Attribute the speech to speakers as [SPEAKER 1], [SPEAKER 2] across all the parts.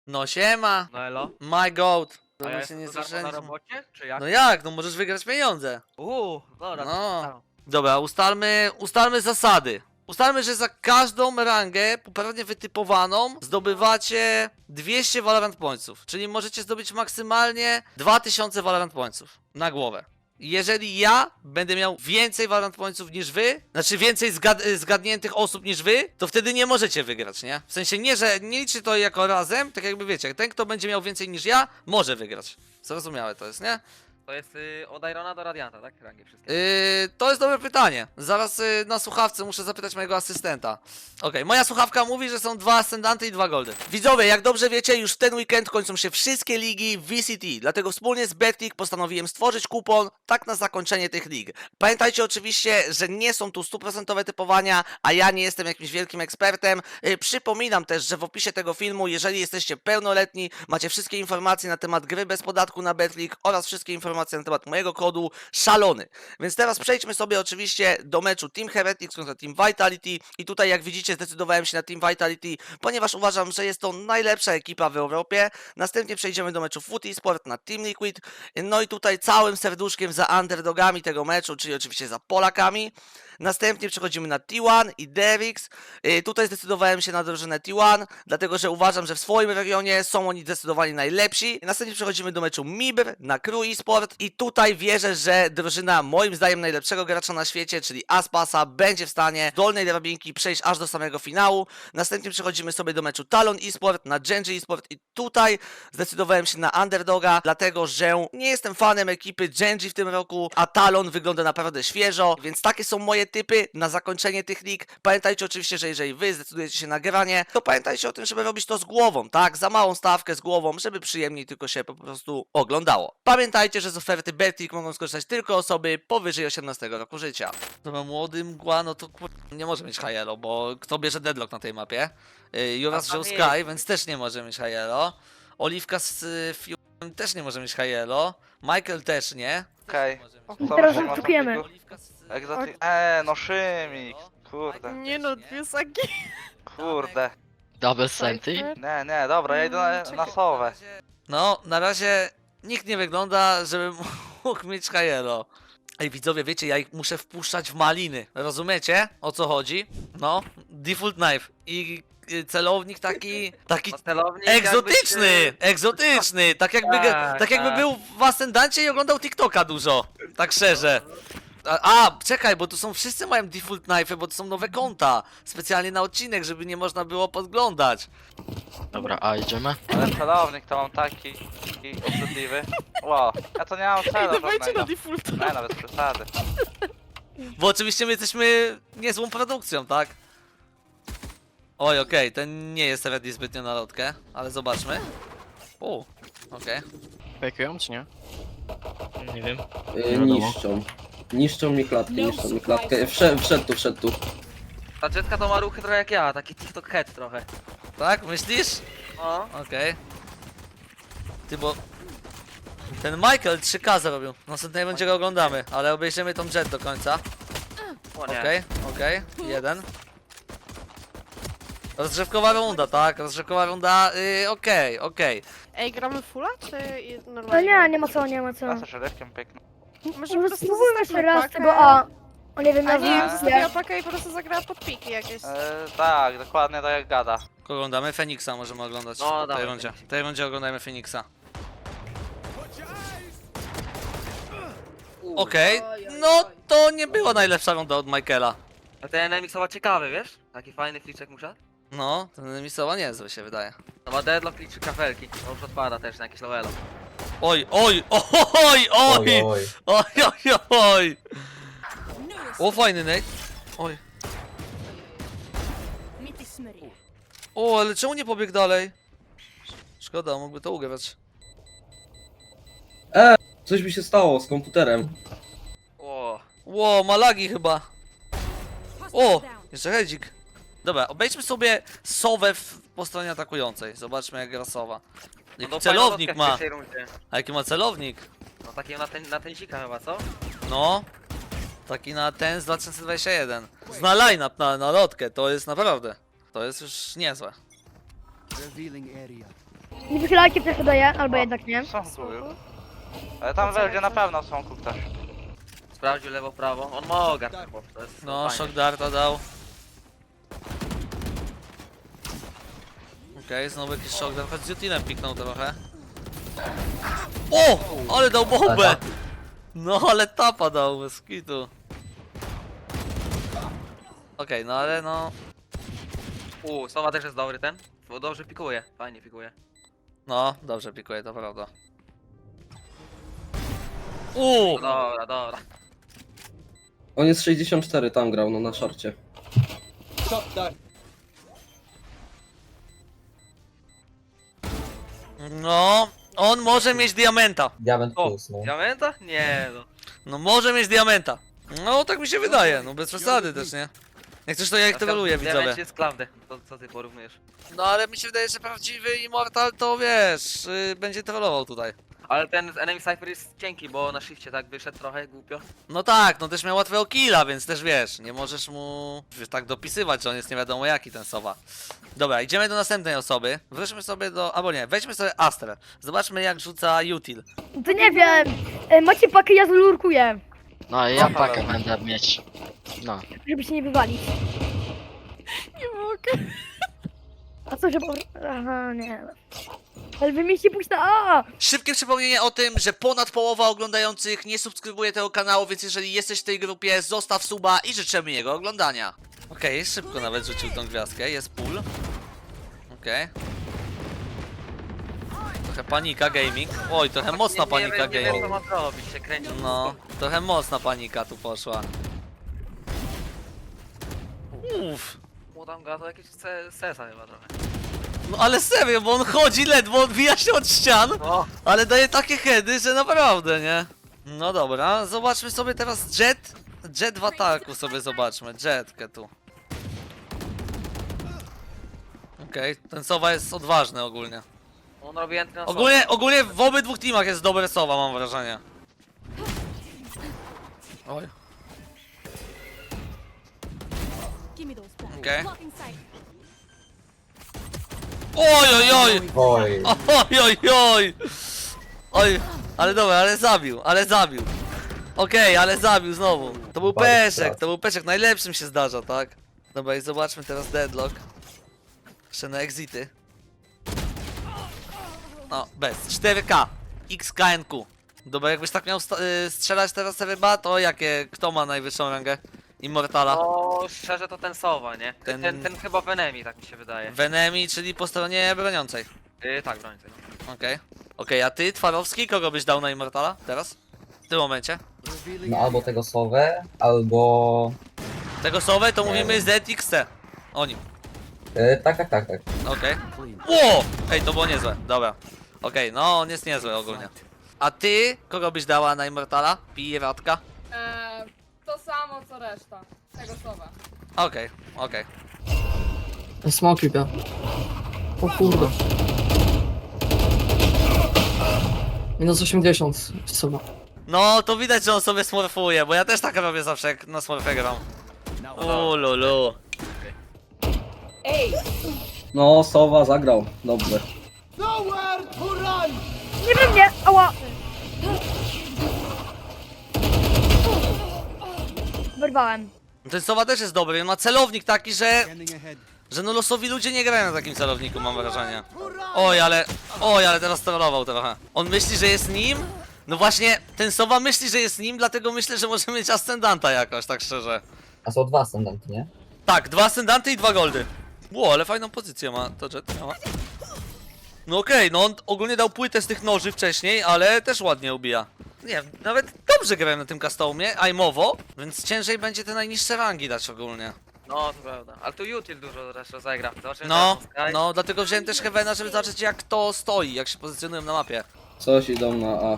[SPEAKER 1] No siema,
[SPEAKER 2] No elo.
[SPEAKER 1] my goat.
[SPEAKER 2] A ja
[SPEAKER 1] My się
[SPEAKER 2] jestem
[SPEAKER 1] nie
[SPEAKER 2] za darmo na
[SPEAKER 1] słyszeliśmy.
[SPEAKER 2] robocie? Czy jak?
[SPEAKER 1] No jak, no możesz wygrać pieniądze.
[SPEAKER 2] Dobra,
[SPEAKER 1] No.
[SPEAKER 2] to
[SPEAKER 1] Dobra, ustalmy zasady. Ustalmy, że za każdą rangę poprawnie wytypowaną zdobywacie 200 Valorant Pointsów, czyli możecie zdobyć maksymalnie 2000 Valorant Pointsów na głowę. Jeżeli ja będę miał więcej Valorant Pointsów niż wy, znaczy więcej zgadniętych osób niż wy, to wtedy nie możecie wygrać, nie? W sensie nie, że nie liczy to jako razem, tak jakby wiecie, ten kto będzie miał więcej niż ja, może wygrać. Zrozumiałe to jest, nie?
[SPEAKER 2] To jest od Irona do Radianta, tak? Rangi wszystkie.
[SPEAKER 1] To jest dobre pytanie. Zaraz na słuchawce muszę zapytać mojego asystenta. Okej, moja słuchawka mówi, że są 2 ascendanty i 2 goldy. Widzowie, jak dobrze wiecie, już w ten weekend kończą się wszystkie ligi w VCT. Dlatego wspólnie z Betclick postanowiłem stworzyć kupon tak na zakończenie tych lig. Pamiętajcie oczywiście, że nie są tu 100% typowania, a ja nie jestem jakimś wielkim ekspertem. Przypominam też, że w opisie tego filmu, jeżeli jesteście pełnoletni, macie wszystkie informacje na temat gry bez podatku na Betclick oraz wszystkie informacje na temat mojego kodu szalony. Więc teraz przejdźmy sobie oczywiście do meczu Team Heretics kontra Team Vitality i tutaj jak widzicie zdecydowałem się na Team Vitality, ponieważ uważam, że jest to najlepsza ekipa w Europie. Następnie przejdziemy do meczu Foot Esport na Team Liquid. No i tutaj całym serduszkiem za underdogami tego meczu, czyli oczywiście za Polakami. Następnie przechodzimy na T1 i Derix. Tutaj zdecydowałem się na drużynę T1, dlatego że uważam, że w swoim regionie są oni zdecydowanie najlepsi. Następnie przechodzimy do meczu Mibr na Crew Esport i tutaj wierzę, że drużyna moim zdaniem najlepszego gracza na świecie, czyli Aspasa, będzie w stanie z dolnej drabinki przejść aż do samego finału. Następnie przechodzimy sobie do meczu Talon Esport na Genji Esport i tutaj zdecydowałem się na underdoga, dlatego że nie jestem fanem ekipy Genji w tym roku, a Talon wygląda naprawdę świeżo, więc takie są moje typy na zakończenie tych lig. Pamiętajcie oczywiście, że jeżeli wy zdecydujecie się na granie, to pamiętajcie o tym, żeby robić to z głową, tak? Za małą stawkę z głową, żeby przyjemniej tylko się po prostu oglądało. Pamiętajcie, że z oferty Betclick mogą skorzystać tylko osoby powyżej 18 roku życia. Dobra, młody mgła, no to nie może mieć Hajelo, bo kto bierze deadlock na tej mapie? Juras
[SPEAKER 2] A tam
[SPEAKER 1] wziął
[SPEAKER 2] jest.
[SPEAKER 1] Sky, więc też nie może mieć Hajelo. Oliwka z Fium też nie może mieć Hajelo. Michael też nie.
[SPEAKER 3] Okej.
[SPEAKER 1] Też nie może mieć
[SPEAKER 3] Teraz
[SPEAKER 1] Hajelo.
[SPEAKER 3] odczekujemy.
[SPEAKER 1] Oliwka z
[SPEAKER 3] Egzotyk. No Szymik. Kurde,
[SPEAKER 4] Nie no, dwie sagi.
[SPEAKER 3] kurde.
[SPEAKER 5] Double Senty?
[SPEAKER 3] Nie, dobra, ja idę na sowę.
[SPEAKER 1] No, na razie nikt nie wygląda, żeby mógł mieć Hajelo. Ej, widzowie, wiecie, ja ich muszę wpuszczać w maliny. Rozumiecie, o co chodzi? No, default knife i celownik taki
[SPEAKER 2] No, celownik
[SPEAKER 1] egzotyczny, egzotyczny, tak jakby był w Ascendancie i oglądał TikToka dużo, tak szczerze. Czekaj, bo tu są, wszyscy mają default knife, bo to są nowe konta, specjalnie na odcinek, żeby nie można było podglądać.
[SPEAKER 5] Dobra, a idziemy?
[SPEAKER 3] Ale celownik to mam taki obrzydliwy. Wow, ja to nie mam
[SPEAKER 4] Ej,
[SPEAKER 3] celu
[SPEAKER 4] dawajcie na
[SPEAKER 3] żadnego.
[SPEAKER 4] default.
[SPEAKER 3] Nie, nawet przesady.
[SPEAKER 1] Bo oczywiście my jesteśmy niezłą produkcją, tak? Oj, okej, ten nie jest ready zbytnio na lotkę, ale zobaczmy. Okej.
[SPEAKER 5] Fejkują czy nie? Nie wiem.
[SPEAKER 6] Niszczą. Niszczą mi klatkę. Wszedł tu.
[SPEAKER 2] Ta dziecka to ma ruchy trochę jak ja, taki TikTok head trochę.
[SPEAKER 1] Tak, myślisz?
[SPEAKER 2] No.
[SPEAKER 1] Okej. Ty, bo... Ten Michael 3K zrobił. Następnie będzie go oglądamy, ale obejrzymy tą jet do końca.
[SPEAKER 2] O nie.
[SPEAKER 1] Okej, jeden. Rozgrzewkowa runda, tak? Rozgrzewkowa runda, okej.
[SPEAKER 4] Ej, gramy fulla, czy
[SPEAKER 7] No
[SPEAKER 4] normalnie?
[SPEAKER 7] nie ma co.
[SPEAKER 3] Ja ze szeryfkiem piękną.
[SPEAKER 4] Może po
[SPEAKER 7] Może
[SPEAKER 4] prostu
[SPEAKER 7] spróbujmy jeszcze
[SPEAKER 4] zostawmy
[SPEAKER 7] raz
[SPEAKER 4] pakę.
[SPEAKER 7] tego A. O nie wiem,
[SPEAKER 4] A
[SPEAKER 7] ja
[SPEAKER 4] nie,
[SPEAKER 7] wiem,
[SPEAKER 4] zostawiła pakę i po prostu zagrała pod piki jakieś.
[SPEAKER 3] Tak, dokładnie tak jak gada.
[SPEAKER 1] Kogo oglądamy? Feniksa możemy oglądać.
[SPEAKER 2] No,
[SPEAKER 1] w tej
[SPEAKER 2] dawaj,
[SPEAKER 1] rundzie.
[SPEAKER 2] Feniksa.
[SPEAKER 1] W tej rundzie oglądajmy Feniksa. Okej, no to nie była najlepsza runda od Michaela.
[SPEAKER 2] A ten Nemixowa ciekawy, wiesz? Taki fajny fliczek musiał.
[SPEAKER 1] No, ten misowa niezły się wydaje.
[SPEAKER 2] No ma deadlock i 3 kafelki. To już odpada też na jakieś lowelo.
[SPEAKER 1] Oj! O, fajny Nate. Oj. O, ale czemu nie pobiegł dalej? Szkoda, mógłby to ugrać.
[SPEAKER 6] Coś mi się stało z komputerem.
[SPEAKER 2] O.
[SPEAKER 1] Ło, ma lagi chyba. O, jeszcze hedzik. Dobra, obejdźmy sobie sowę po stronie atakującej. Zobaczmy jak gra sowa. Jaki celownik ma. A jaki ma celownik?
[SPEAKER 2] No taki na tensika chyba, co?
[SPEAKER 1] No. Taki na ten z 2021. Zna line-up na lotkę, to jest naprawdę. To jest już niezłe.
[SPEAKER 7] Nie wychylajcie też daję, albo jednak nie.
[SPEAKER 3] Są tu już. Ale tam będzie na pewno są tu ktoś.
[SPEAKER 2] Sprawdził lewo, prawo. On ma ogar, bo to jest
[SPEAKER 1] No,
[SPEAKER 2] fajnie.
[SPEAKER 1] shock darta dał. Okej, znowu jakiś shock dart, choć z Jutilem piknął trochę. O! Ale dał bombę! No, ale tapa dał, bez kitu. Okej, no ale no...
[SPEAKER 2] Sowa też jest dobry ten. Bo dobrze pikuje, fajnie pikuje.
[SPEAKER 1] No, dobrze pikuje, to prawda.
[SPEAKER 2] No dobra, dobra.
[SPEAKER 6] On jest 64, tam grał, no na szorcie.
[SPEAKER 1] No, on może mieć diamenta.
[SPEAKER 8] Diament
[SPEAKER 2] O,
[SPEAKER 8] plus, no.
[SPEAKER 2] diamenta? Nie no.
[SPEAKER 1] No może mieć diamenta. No, tak mi się wydaje, no bez przesady też, nie? Jak coś to ja ich troluję, widzowie.
[SPEAKER 2] Diament jest klaudę. To co ty porównujesz?
[SPEAKER 1] No ale mi się wydaje, że prawdziwy Immortal to wiesz, będzie trollował tutaj.
[SPEAKER 2] Ale ten enemy cypher jest cienki, bo na shifcie tak wyszedł trochę głupio.
[SPEAKER 1] No tak, no też miał łatwego killa, więc też wiesz, nie możesz mu tak dopisywać, że on jest nie wiadomo jaki ten Sowa. Dobra, idziemy do następnej osoby. Wróćmy sobie do, albo nie, weźmy sobie Astrę. Zobaczmy jak rzuca Util.
[SPEAKER 7] To nie wiem. Macie pakę, ja zlurkuję.
[SPEAKER 5] No i ja pakę będę mieć. No.
[SPEAKER 7] Żeby się nie wywalić.
[SPEAKER 4] Nie mogę.
[SPEAKER 7] A co, żeby... Aha, nie. Ale wy mieliście pójść na A!
[SPEAKER 1] Szybkie przypomnienie o tym, że ponad połowa oglądających nie subskrybuje tego kanału, więc jeżeli jesteś w tej grupie, zostaw suba i życzymy jego oglądania. Okej, szybko nawet rzucił tą gwiazdkę, jest pull. Okej. Trochę panika gaming. Oj, trochę mocna panika
[SPEAKER 2] Nie wiem co
[SPEAKER 1] gaming.
[SPEAKER 2] ma zrobić, się kręci.
[SPEAKER 1] No, trochę mocna panika tu poszła. Uff.
[SPEAKER 2] Mu tam gada jakieś sesa chyba trochę.
[SPEAKER 1] No ale serio, bo on chodzi ledwo, odbija się od ścian,
[SPEAKER 2] No.
[SPEAKER 1] ale daje takie heady, że naprawdę, nie? No dobra, zobaczmy sobie teraz Jet. Jet w ataku sobie zobaczmy, Jetkę tu. Okej, ten Sowa jest odważny ogólnie.
[SPEAKER 2] On robi entry na
[SPEAKER 1] Ogólnie w obydwu teamach jest dobry Sowa, mam wrażenie. Oj. Okej. Oj, oj, oj!
[SPEAKER 8] Oj,
[SPEAKER 1] Oj, oj, oj! Oj, ale dobra, ale zabił. Okej, ale zabił znowu. To był
[SPEAKER 8] Bardzo
[SPEAKER 1] peszek,
[SPEAKER 8] pracy.
[SPEAKER 1] to był peszek, najlepszym się zdarza, tak? Dobra, i zobaczmy teraz Deadlock. Jeszcze na exity. No, bez. 4K. XKNQ. Dobra, jakbyś tak miał strzelać teraz ryba, to kto ma najwyższą rangę? Immortala.
[SPEAKER 2] No, szczerze to ten Sowa, nie?
[SPEAKER 1] Ten-
[SPEAKER 2] Ten chyba w enemy, tak mi się wydaje.
[SPEAKER 1] Venemi, czyli po stronie broniącej.
[SPEAKER 2] Tak, brońcy. No.
[SPEAKER 1] Okej. Okej, a ty, Twarowski, kogo byś dał na Immortala teraz? W tym momencie?
[SPEAKER 8] no albo tego Sowę, albo...
[SPEAKER 1] Tego Sowę to mówimy ZXT. O nim.
[SPEAKER 8] Tak.
[SPEAKER 1] Okej. Ło! Ej, to było niezłe. Dobra. Okej, no on jest niezły ogólnie. A ty, kogo byś dała na Immortala? Piratka?
[SPEAKER 9] To samo co reszta. Tego słowa.
[SPEAKER 1] Okej.
[SPEAKER 10] Smoki B. O kurde. Minus 80 chyba.
[SPEAKER 1] No, to widać, że on sobie smurfuje, bo ja też tak robię zawsze, jak na smurfie gram. Lulu.
[SPEAKER 9] Ej!
[SPEAKER 6] No, Sowa zagrał, dobrze.
[SPEAKER 7] Nie we mnie! Ała! Wyrwałem.
[SPEAKER 1] Ten Sowa też jest dobry, on ma celownik taki, że no losowi ludzie nie grają na takim celowniku, mam wrażenie. Oj, ale teraz trollował trochę. On myśli, że jest nim? No właśnie, ten Sowa myśli, że jest nim, dlatego myślę, że może mieć ascendanta jakoś, tak szczerze.
[SPEAKER 8] A są dwa ascendanty, nie?
[SPEAKER 1] Tak, 2 ascendanty i 2 goldy. Ło, ale fajną pozycję ma to Jet miała. No okej, no on ogólnie dał płytę z tych noży wcześniej, ale też ładnie ubija. Nie, nawet dobrze grałem na tym customie, aimowo, więc ciężej będzie te najniższe rangi dać ogólnie.
[SPEAKER 2] No, to prawda. Ale tu Util dużo zresztą zagra. Zobaczymy
[SPEAKER 1] No,
[SPEAKER 2] teraz Sky.
[SPEAKER 1] no, dlatego wziąłem też Heavena, żeby zobaczyć jak to stoi, jak się pozycjonują na mapie.
[SPEAKER 6] Coś idą na A.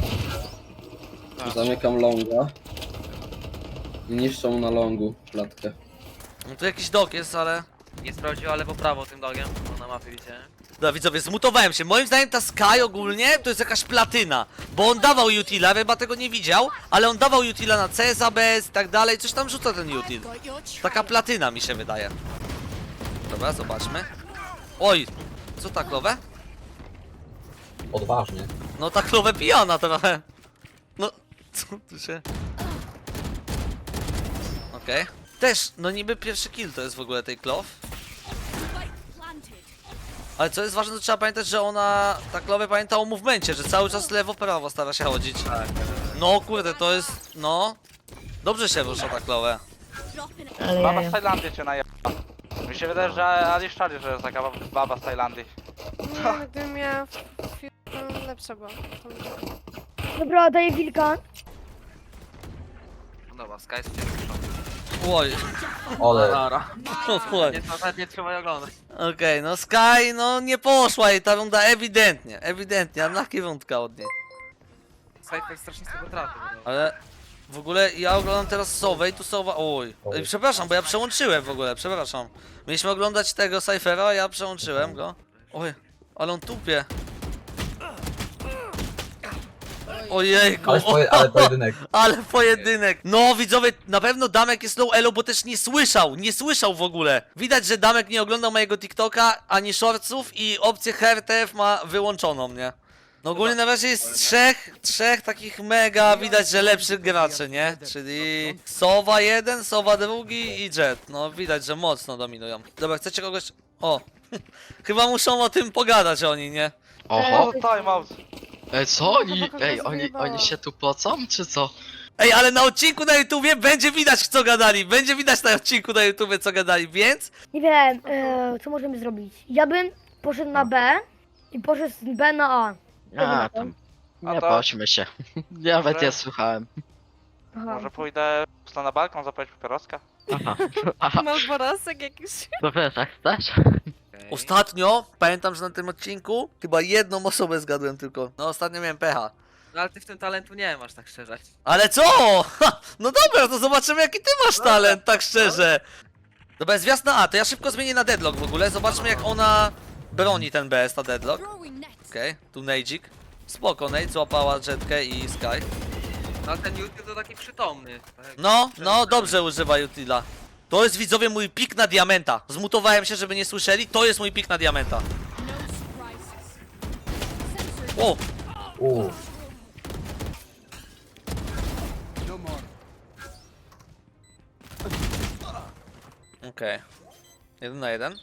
[SPEAKER 6] Zamykam longa. I niszczą na longu klatkę.
[SPEAKER 1] No tu jakiś dok jest, ale...
[SPEAKER 2] Nie sprawdziła lewo prawo tym dogiem, bo na mapie widzicie.
[SPEAKER 1] Dobra widzowie, zmutowałem się. Moim zdaniem ta Sky ogólnie to jest jakaś platyna. Bo on dawał Utila, chyba tego nie widział, ale on dawał Utila na CS, ABS i tak dalej. Coś tam rzuca ten Util. Taka platyna mi się wydaje. Dobra, zobaczmy. Oj, co tak nowe?
[SPEAKER 8] Odważnie.
[SPEAKER 1] No ta klowę pijana trochę. No, co tu się... Okej. Też, no niby pierwszy kill to jest w ogóle tej klow. Ale co jest ważne, to trzeba pamiętać, że ona, ta klowa pamięta o movemencie, że cały czas lewo-prawo stara się chodzić. No kurde, to jest, no... Dobrze się rusza ta klowa.
[SPEAKER 7] Ale
[SPEAKER 3] Baba
[SPEAKER 7] ja.
[SPEAKER 3] z Tajlandii cię najeba. Mi się wydaje, że Ali szczali, że jest taka baba z Tajlandii.
[SPEAKER 4] Nie, gdybym miała lepsza była.
[SPEAKER 7] Dobra, daję wilka.
[SPEAKER 2] No dobra, Sky jest cię
[SPEAKER 1] Oj,
[SPEAKER 8] Ale
[SPEAKER 2] Dobra.
[SPEAKER 1] oj.
[SPEAKER 2] Nie trzeba oglądać.
[SPEAKER 1] Okej, no Sky, no nie poszła jej ta runda ewidentnie, unlucky rundka od niej.
[SPEAKER 2] Cypher strasznie z tego trafił.
[SPEAKER 1] Ale w ogóle ja oglądam teraz Sowę i tu Sowa... Oj, przepraszam, bo ja przełączyłem w ogóle, przepraszam. Mieliśmy oglądać tego Cyphera, a ja przełączyłem go. Oj, ale on tupie. Ojejku,
[SPEAKER 8] ale pojedynek.
[SPEAKER 1] ale pojedynek. No widzowie, na pewno Damek jest low elo, bo też nie słyszał w ogóle. Widać, że Damek nie oglądał mojego TikToka, ani shortsów i opcję HRTF ma wyłączoną, nie? No ogólnie na razie jest trzech takich mega, widać, że lepszych graczy, nie? Czyli Sowa jeden, Sowa drugi i Jet. No widać, że mocno dominują. Dobra, chcecie kogoś... O, chyba muszą o tym pogadać oni, nie?
[SPEAKER 5] Oho.
[SPEAKER 3] O, timeout.
[SPEAKER 5] Ej, co oni?
[SPEAKER 4] Chłopaków
[SPEAKER 5] Ej,
[SPEAKER 4] rozjebało.
[SPEAKER 5] oni się tu pocą, czy co?
[SPEAKER 1] Ej, ale na odcinku na YouTubie będzie widać, co gadali. Będzie widać na odcinku na YouTubie, co gadali, więc...
[SPEAKER 7] Nie wiem, co możemy zrobić. Ja bym poszedł na B i poszedł z B na A.
[SPEAKER 5] A, tam.
[SPEAKER 3] A
[SPEAKER 5] Nie
[SPEAKER 3] to-
[SPEAKER 5] patrzmy się. Nawet
[SPEAKER 3] Może-
[SPEAKER 5] ja słuchałem.
[SPEAKER 7] Aha.
[SPEAKER 3] Może pójdę na balkon zapalić papieroska?
[SPEAKER 5] Aha,
[SPEAKER 4] Malborosek jakiś.
[SPEAKER 5] to wiesz, jak chcesz?
[SPEAKER 1] Ostatnio, pamiętam, że na tym odcinku chyba jedną osobę zgadłem tylko. No ostatnio miałem pecha.
[SPEAKER 2] No ale ty w tym talentu nie masz, tak szczerze.
[SPEAKER 1] Ale co? Ha, no dobra, to zobaczymy jaki ty masz talent, tak szczerze. Dobra, jest wjazd na A, to ja szybko zmienię na deadlock w ogóle. Zobaczmy jak ona broni ten BS, ta deadlock. Okej, tu Nejdzik. Spoko, Nate złapała Jetkę i Sky.
[SPEAKER 2] No ale ten YouTube to taki przytomny. Tak?
[SPEAKER 1] No, dobrze używa Utila. To jest widzowie mój pik na diamenta. Zmutowałem się, żeby nie słyszeli. To jest mój pik na diamenta. O, okej. 1 na 1.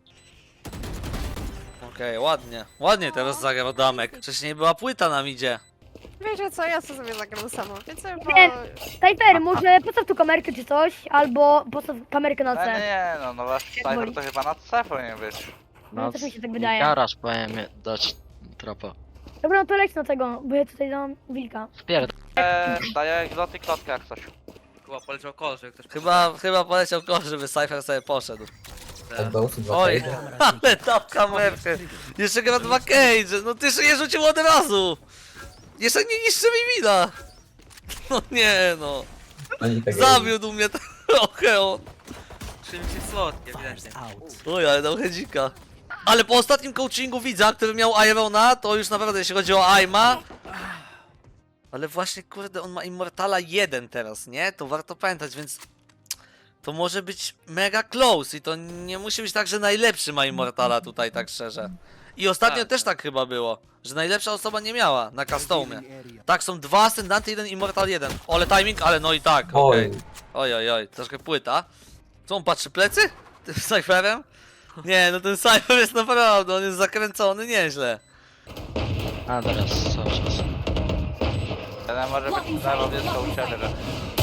[SPEAKER 1] Okej, ładnie. Ładnie teraz zagrał Damek. Wcześniej była płyta na midzie.
[SPEAKER 4] Wiecie co, ja sobie zagram sama. Więc bo...
[SPEAKER 7] Nie. Cypher, może postaw tu kamerkę czy coś, albo postaw kamerkę na
[SPEAKER 3] Ale
[SPEAKER 7] C.
[SPEAKER 3] nie, no wasz Cypher
[SPEAKER 7] boli.
[SPEAKER 3] to chyba na C powinien być.
[SPEAKER 7] No, też mi się tak wydaje.
[SPEAKER 5] Garaż powinien dać tropa.
[SPEAKER 7] Dobra, no to leć na tego, bo ja tutaj dam wilka.
[SPEAKER 5] Spierdol.
[SPEAKER 3] Daję egzotyk klotkę jak coś.
[SPEAKER 2] Chyba poleciał kol, że ktoś...
[SPEAKER 1] Chyba poleciał kosz, żeby Cypher sobie poszedł.
[SPEAKER 8] od Bełsu dwa
[SPEAKER 1] Oj,
[SPEAKER 8] cage.
[SPEAKER 1] ale dał kamerkę. Jeszcze gra 2 cage. No ty je rzucił od razu. Jeszcze nie niszczy mi mina. No nie no.
[SPEAKER 8] Oni tego
[SPEAKER 1] Zawiódł mnie trochę on.
[SPEAKER 2] Czymś jest słodkie, ewidentnie.
[SPEAKER 1] Oj, ale dał hedzika. Ale po ostatnim coachingu widza, który miał Irona, to już naprawdę jeśli chodzi o Aima. Ale właśnie kurde, on ma Immortala 1 teraz, nie? To warto pamiętać, więc... To może być mega close i to nie musi być tak, że najlepszy ma Immortala tutaj, tak szczerze. I ostatnio
[SPEAKER 2] Tak.
[SPEAKER 1] też tak chyba było, że najlepsza osoba nie miała na customie. Tak, są 2 Ascendanty, 1 Immortal 1. Ale timing, ale no i tak, okej. Oj, troszkę płyta. Co on patrzy, plecy? Tym Cypherem? Nie, no ten Cypher jest naprawdę, on jest zakręcony nieźle.
[SPEAKER 5] A teraz cały czas.
[SPEAKER 3] Jeden może być lewo blisko u ciebie, że...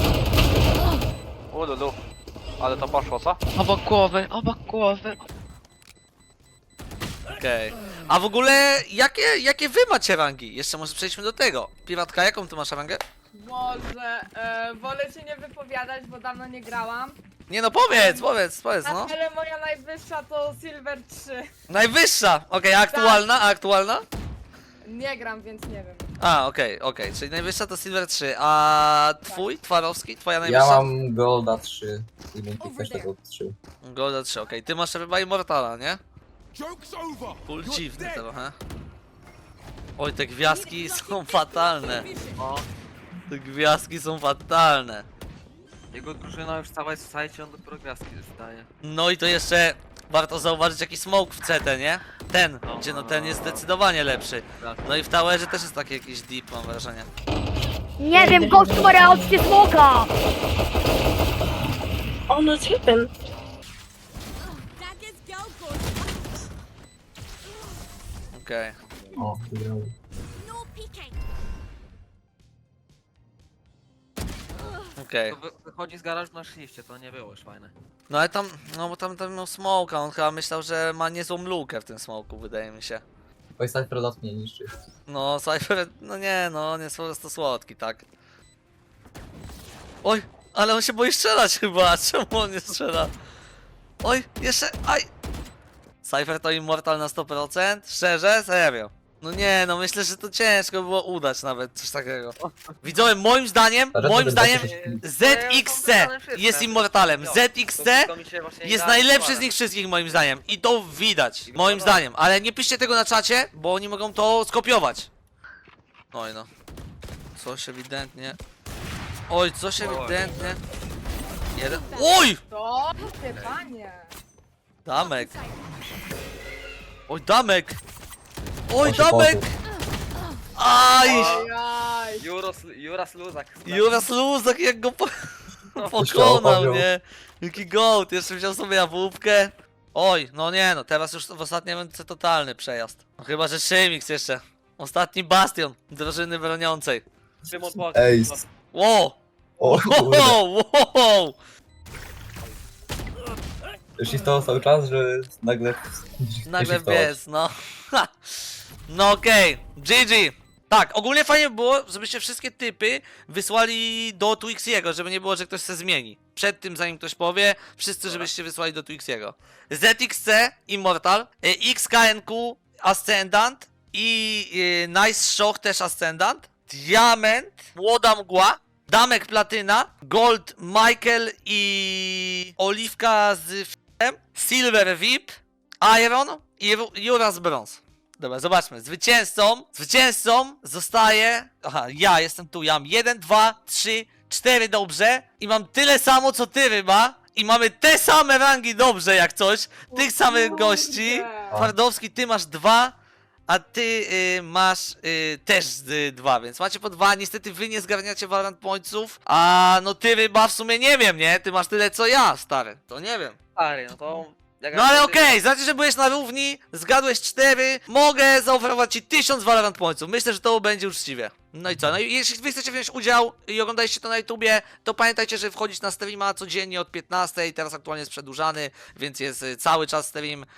[SPEAKER 3] Ululu. Ale to poszło, co?
[SPEAKER 5] Obok głowy.
[SPEAKER 1] Okej. A w ogóle, jakie wy macie rangi? Jeszcze może przejdźmy do tego. Piratka, jaką ty masz rangę?
[SPEAKER 9] Może, wolę się nie wypowiadać, bo dawno nie grałam.
[SPEAKER 1] Nie no, powiedz, no.
[SPEAKER 9] Ale moja najwyższa to Silver 3.
[SPEAKER 1] Najwyższa! Okej, a aktualna?
[SPEAKER 9] Nie gram, więc nie wiem.
[SPEAKER 1] A, okej, czyli najwyższa to Silver 3, a twój, Twarowski, twoja
[SPEAKER 8] Ja
[SPEAKER 1] najwyższa?
[SPEAKER 8] mam Golda 3 i bym też tego 3.
[SPEAKER 1] Golda 3, okej, ty masz chyba Immortala, nie? Full dziwny trochę. Oj, te gwiazdki są fatalne. Te gwiazdki są fatalne.
[SPEAKER 2] Jego drużyna już cała jest w sajcie, on dopiero gwiazdki dostaje.
[SPEAKER 1] No i to jeszcze warto zauważyć jaki smoke w CT, nie? Ten, gdzie no ten jest zdecydowanie lepszy. No i w towerze też jest taki jakiś deep, mam wrażenie.
[SPEAKER 7] Nie wiem, gościu ma reakcję smoka!
[SPEAKER 4] On jest hitem.
[SPEAKER 1] Okej.
[SPEAKER 8] O, wygrał.
[SPEAKER 1] Okej.
[SPEAKER 2] To wychodzi z garażu na shifcie, to nie było już fajne.
[SPEAKER 1] No ale tam, no bo tam miał smoka, on chyba myślał, że ma niezłą lukę w tym smoku, wydaje mi się.
[SPEAKER 8] Twój Cypher lot mnie niszczy.
[SPEAKER 1] No, Cypher, no nie, no, on jest po prostu słodki, tak? Oj, ale on się boi strzelać chyba, czemu on nie strzela? Oj, jeszcze, aj! Cypher to Immortal na 100%? Szczerze? Serio? No nie, no myślę, że to ciężko było udać nawet coś takiego. Widzowie, moim zdaniem ZXC jest Immortalem. ZXC jest najlepszy z nich wszystkich moim zdaniem. I to widać, moim zdaniem. Ale nie piszcie tego na czacie, bo oni mogą to skopiować. Oj no. Coś ewidentnie. Oj, coś ewidentnie. Jeden. Oj!
[SPEAKER 9] To? Ty, panie.
[SPEAKER 1] Damek. Oj, damek. Oj,
[SPEAKER 8] On się
[SPEAKER 1] damek. Aj!
[SPEAKER 9] Ojaj.
[SPEAKER 2] Juras Luzak.
[SPEAKER 1] Juras Luzak jak go
[SPEAKER 8] Jeszcze
[SPEAKER 1] pokonał,
[SPEAKER 8] opowiem.
[SPEAKER 1] nie? Jaki gołd, jeszcze wziął sobie jabłówkę. Oj, no nie no, teraz już w ostatniej rundce totalny przejazd. No, chyba, że Szymix jeszcze. Ostatni bastion drużyny broniącej.
[SPEAKER 2] Szymon Polski.
[SPEAKER 8] Ej,
[SPEAKER 1] Wow!
[SPEAKER 8] o kurde.
[SPEAKER 1] Wow!
[SPEAKER 8] Shiftował cały czas, że nagle...
[SPEAKER 1] Nagle
[SPEAKER 8] shiftować.
[SPEAKER 1] wiesz, no. Ha. No okej, GG. Tak, ogólnie fajnie by było, żebyście wszystkie typy wysłali do Twixiego, żeby nie było, że ktoś se zmieni. Przed tym, zanim ktoś powie, wszyscy żebyście wysłali do Twixiego. ZXC, Immortal, XKNQ, Ascendant i Nice Shock też Ascendant, Diament, Młoda Mgła, Damek Platyna, Gold Michael i Oliwka z f***em, Silver VIP, Iron i Juras Bronze. Dobra, zobaczmy. Zwycięzcą zostaje... Aha, ja jestem tu. Ja mam 1, 2, 3, 4 dobrze. I mam tyle samo, co ty, Ryba. I mamy te same rangi dobrze, jak coś. Tych samych gości. Twardowski, ty masz 2, a ty masz też 2, więc macie po 2. Niestety wy nie zgarniacie Valorant Pointsów. A no ty, Ryba, w sumie nie wiem, nie? Ty masz tyle, co ja, stary. To nie wiem.
[SPEAKER 2] Stary, no to... jak
[SPEAKER 1] No ale
[SPEAKER 2] ja-
[SPEAKER 1] okej, znaczy, że byłeś na równi, zgadłeś 4, mogę zaoferować ci 1000 Valorant Pointsów. Myślę, że to będzie uczciwie. No i co? No i jeśli wy chcecie wziąć udział i oglądaliście to na YouTubie, to pamiętajcie, że wchodzić na streama codziennie od 15, teraz aktualnie jest przedłużany, więc jest cały czas stream